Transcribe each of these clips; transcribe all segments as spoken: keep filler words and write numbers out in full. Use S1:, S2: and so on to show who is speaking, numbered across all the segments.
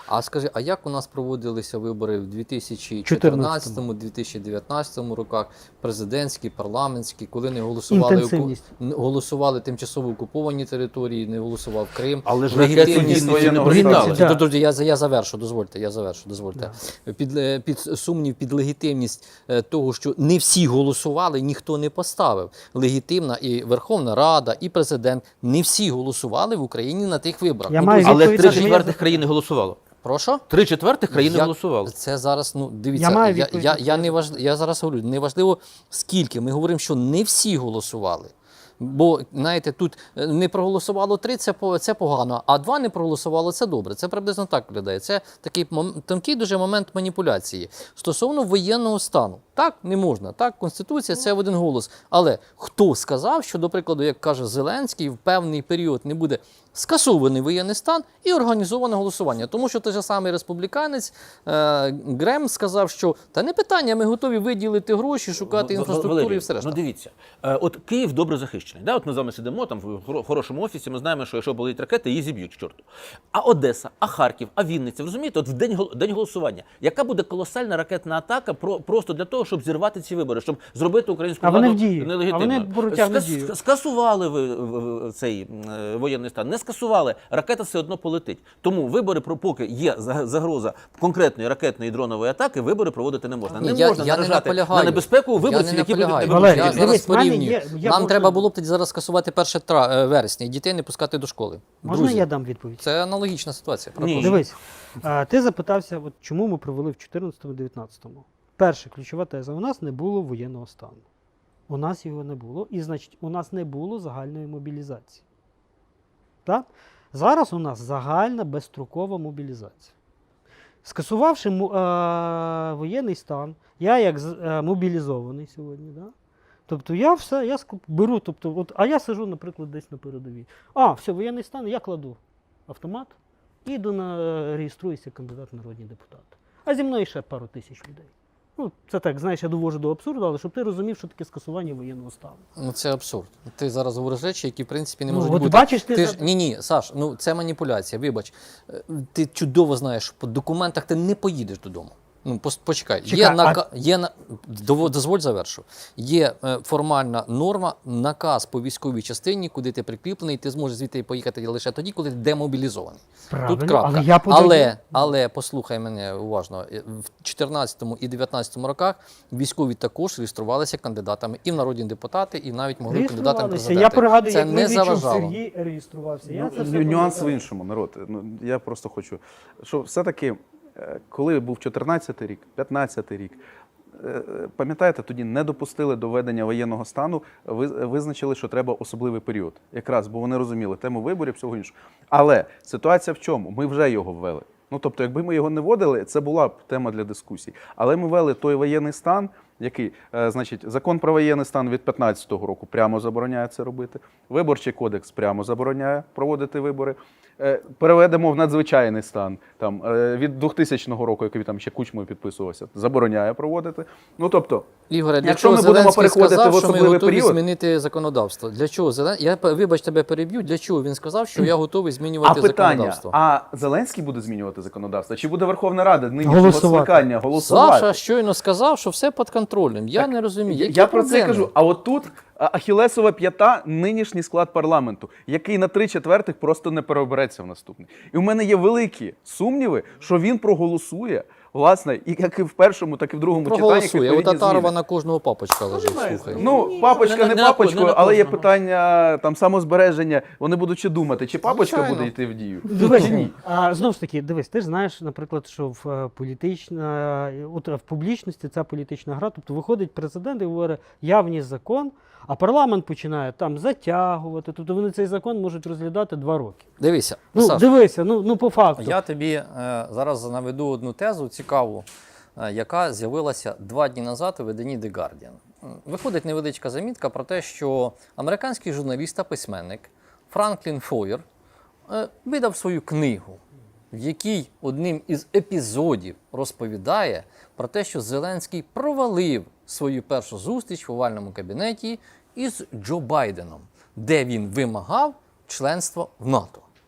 S1: А скажи, а як у нас проводилися вибори в дві тисячі чотирнадцятому - дві тисячі дев'ятнадцятому роках, президентські, парламентські, коли не голосували, оку... голосували тимчасово окуповані території, не голосував Крим.
S2: Але ж легітимність воєнного
S1: стану. Друзі, я, я завершу, дозвольте, я завершу, дозвольте. Да. Під, під сумнів, під легітимність того, що не всі голосували, ніхто не поставив. Легітимна і Верховна Рада, і президент, не всі голосували в Україні на тих виборах.
S2: Ну, але три четвертих країни голосувало.
S1: Прошу?
S2: Три четвертих країни
S1: я,
S2: голосували.
S1: Це зараз, ну, дивіться, я, я, я, я, не важ... я зараз говорю, не важливо скільки. Ми говоримо, що не всі голосували. Бо, знаєте, тут не проголосувало три, це, це погано, а два не проголосувало, це добре. Це приблизно так виглядає. Це такий тонкий дуже момент маніпуляції. Стосовно воєнного стану. Так, не можна. Так, Конституція – це в один голос. Але хто сказав, що, до прикладу, як каже Зеленський, в певний період не буде скасований воєнний стан і організоване голосування? Тому що той же самий республіканець е, Грем сказав, що та не питання, ми готові виділити гроші, шукати інфраструктуру Валерій, і все решта.
S2: Ну дивіться, е, от Київ добре захищений. Да? От ми з вами сидимо там в хорошому офісі, ми знаємо, що якщо болить ракети, її зіб'ють к чорту. А Одеса, а Харків, а Вінниця, ви розумієте, от в день, день голосування, яка буде колосальна ракетна атака про, просто для того, щоб зірвати ці вибори, щоб зробити українську владу нелегітимною.
S3: А вони протягнуть дію.
S2: Скасували ви в, в, цей е, воєнний стан, не скасували, ракета все одно полетить. Тому вибори, поки є загроза конкретної ракетної дронової атаки, вибори проводити не можна. Не
S1: я,
S2: можна
S1: я
S2: наражати
S1: не
S2: на небезпеку виборців,
S1: не
S2: які будуть не
S1: Валерій, я
S3: дивись,
S1: зараз порівнюю.
S3: є, я
S1: Нам
S3: можу...
S1: треба було б тоді зараз скасувати перше вересня і дітей не пускати до школи.
S3: Можна
S1: Друзі,
S3: я дам відповідь?
S1: Це аналогічна ситуація.
S3: Ні. Дивись, а, ти запитався, от, чому ми провели в чотирнадцятому - дев'ятнадцятому. Перша ключова теза. У нас не було воєнного стану. У нас його не було. І, значить, у нас не було загальної мобілізації. Так? Зараз у нас загальна безстрокова мобілізація. Скасувавши е, воєнний стан, я як е, мобілізований сьогодні, да? Тобто я все, я беру, тобто, от, а я сижу, наприклад, десь на передовій. А, все, воєнний стан, я кладу автомат і йду на реєструюся кандидат в народні депутати. А зі мною ще пару тисяч людей. Ну, це так, знаєш, я довожу до абсурду, але щоб ти розумів, що таке скасування воєнного стану.
S1: Ну, це абсурд. Ти зараз говориш речі, які, в принципі, не
S3: ну,
S1: можуть
S3: от
S1: бути.
S3: Бачиш, ти...
S1: ти ж... Ні, ні, Саш, ну це маніпуляція, вибач. Ти чудово знаєш, що по документах ти не поїдеш додому. Ну, почекай,
S3: Чекай,
S1: є, нака...
S3: а...
S1: є на... дозволь завершу. Є е, формальна норма, наказ по військовій частині, куди ти прикріплений, ти зможеш звідти поїхати лише тоді, коли ти демобілізований.
S3: Правильно,
S1: тут крапка.
S3: Але, я подаю...
S1: але, але, послухай мене уважно, в чотирнадцятому і дев'ятнадцятому роках військові також реєструвалися кандидатами і в народні депутати, і навіть могли кандидатами в президенти.
S3: Я пригадую,
S1: це
S3: як
S1: не заважало.
S3: Сергій реєструвався. Я
S4: ну,
S3: це
S4: нюанс в іншому, народ. Ну, я просто хочу, що все-таки коли був чотирнадцятий рік, п'ятнадцятий рік, пам'ятаєте, тоді не допустили до введення воєнного стану, визначили, що треба особливий період. Якраз, бо вони розуміли тему виборів, всього іншого. Але ситуація в чому? Ми вже його ввели. Ну, тобто, якби ми його не вводили, це була б тема для дискусій. Але ми ввели той воєнний стан, який, е, значить, закон про воєнний стан від п'ятнадцятого року прямо забороняє це робити. Виборчий кодекс прямо забороняє проводити вибори. Е, переведемо в надзвичайний стан. Там, е, від двохтисячного року, який там ще Кучмою підписувався, забороняє проводити. Ну, тобто,
S1: Ігоре, для
S4: якщо
S1: чого
S4: ми будемо
S1: Зеленський
S4: переходити
S1: сказав,
S4: в особливий
S1: що ми готові
S4: період,
S1: змінити законодавство? Для чого Зеленський? Я, вибач, тебе переб'ю. Для чого він сказав, що я готовий змінювати
S4: а питання,
S1: законодавство?
S4: А Зеленський буде змінювати законодавство? Чи буде Верховна Рада нинішнього скликання голосувати?
S1: Саша щойно сказав, що все під контролем. Я
S4: так,
S1: не розумію. Які
S4: я
S1: проблеми?
S4: про це кажу. А от тут ахілесова п'ята – нинішній склад парламенту, який на три четвертих просто не переобереться в наступний. І в мене є великі сумніви, що він проголосує, власне, і як і в першому, так і в другому читанні.
S1: Проголосує. У Татарова на кожного папочка лежить, слухай.
S4: Ну, папочка не, не папочкою, але є питання там самозбереження. Вони будуть ще думати, чи папочка
S1: Звичайно.
S4: буде йти в дію,
S3: дивись,
S4: чи ні.
S3: А, знову ж таки, дивись, ти ж знаєш, наприклад, що в, політична, от, в публічності ця політична гра, тобто виходить президент і говорить, я вніс закон, а парламент починає там затягувати, тобто вони цей закон можуть розглядати два роки.
S1: Дивися,
S3: Ну,
S1: Саш,
S3: дивися, ну, ну по факту.
S1: я тобі е, зараз наведу одну тезу цікаву, е, яка з'явилася два дні назад у виданні The Guardian. Виходить невеличка замітка про те, що американський журналіст та письменник Франклін Фойер е, видав свою книгу, в якій одним із епізодів розповідає про те, що Зеленський провалив свою першу зустріч в овальному кабінеті із Джо Байденом, де він вимагав членства в НАТО.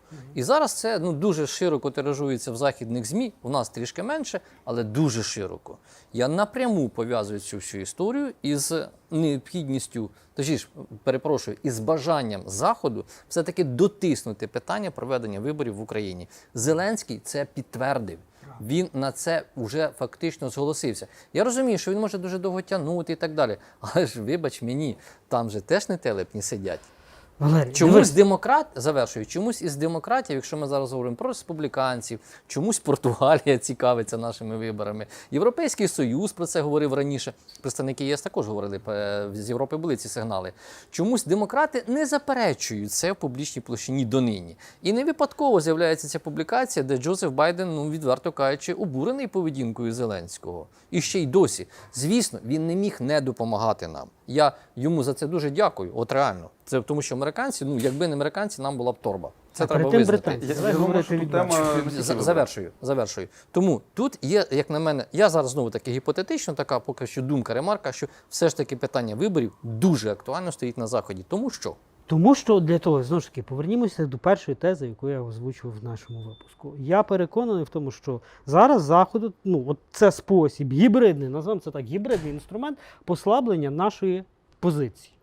S1: І зараз це ну, дуже широко тиражується в західних ЗМІ, у нас трішки менше, але дуже широко. Я напряму пов'язую цю всю історію із необхідністю, точніше, перепрошую, із бажанням Заходу все-таки дотиснути питання проведення виборів в Україні. Зеленський це підтвердив. Він на це вже фактично зголосився. Я розумію, що він може дуже довго тягнути і так далі. Але ж, вибач мені, там же теж не телепні сидять.
S3: Валерій,
S1: Чомусь
S3: дивись.
S1: демократ, завершую, чомусь із демократів, якщо ми зараз говоримо про республіканців, чомусь Португалія цікавиться нашими виборами. Європейський Союз про це говорив раніше. Представники ЄС також говорили, е, з Європи були ці сигнали. Чомусь демократи не заперечують це в публічній площині донині. І не випадково з'являється ця публікація, де Джозеф Байден, ну, відверто кажучи, обурений поведінкою Зеленського. І ще й досі. Звісно, він не міг не допомагати нам. Я йому за це дуже дякую, от реально. Це тому, що американці, ну, якби не американці, нам була б торба. Це
S3: А
S1: треба
S3: перед тим
S1: визнати.
S3: британці.
S4: Я,
S3: Давай
S4: я думаю,
S3: говорити
S4: що тут
S3: відверто.
S4: тема не тільки
S1: За-
S4: виборів.
S1: Завершую, завершую. Тому тут є, як на мене, я зараз знову таки гіпотетично, така поки що думка, ремарка, що все ж таки питання виборів дуже актуально стоїть на Заході. Тому що
S3: Тому що для того, знову ж таки, повернімося до першої тези, яку я озвучував в нашому випуску. Я переконаний в тому, що зараз Заходу, ну, от це спосіб гібридний, назвемо це так, гібридний інструмент послаблення нашої позиції.